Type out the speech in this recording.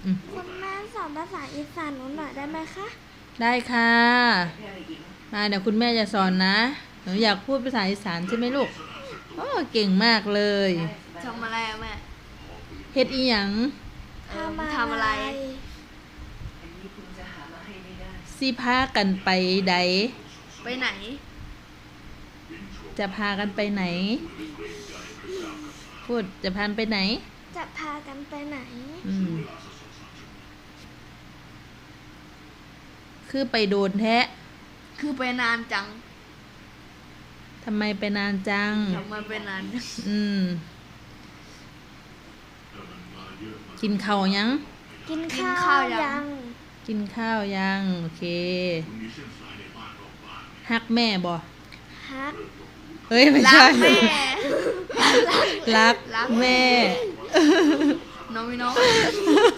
คุณแม่สอนภาษาอีสานหนูหน่อยได้ไหมคะได้ค่ะมาเดี๋ยวคุณแม่จะสอนนะหนูอยากพูดภาษาอีสานใช่ไหมลูกโอ้เก่งมากเลยทำอะไรอะแม่เฮ็ดอีหยังทำอะไรสิพากันไปใดไปไหนจะพากันไปไหน พูดจะพากันไปไหนจะพากันไปไหนอืมคือไปโดนแท้คือไปนานจังทำไมไปนานจังทำไมไปนานจังอืม กินข้าวยังกินข้าวยังกินข้าวยัง โอเค ฮักแม่บ่ฮักเฮ้ย ไม่รัใช่กแม่รักรักแม่น้องพี่น้อง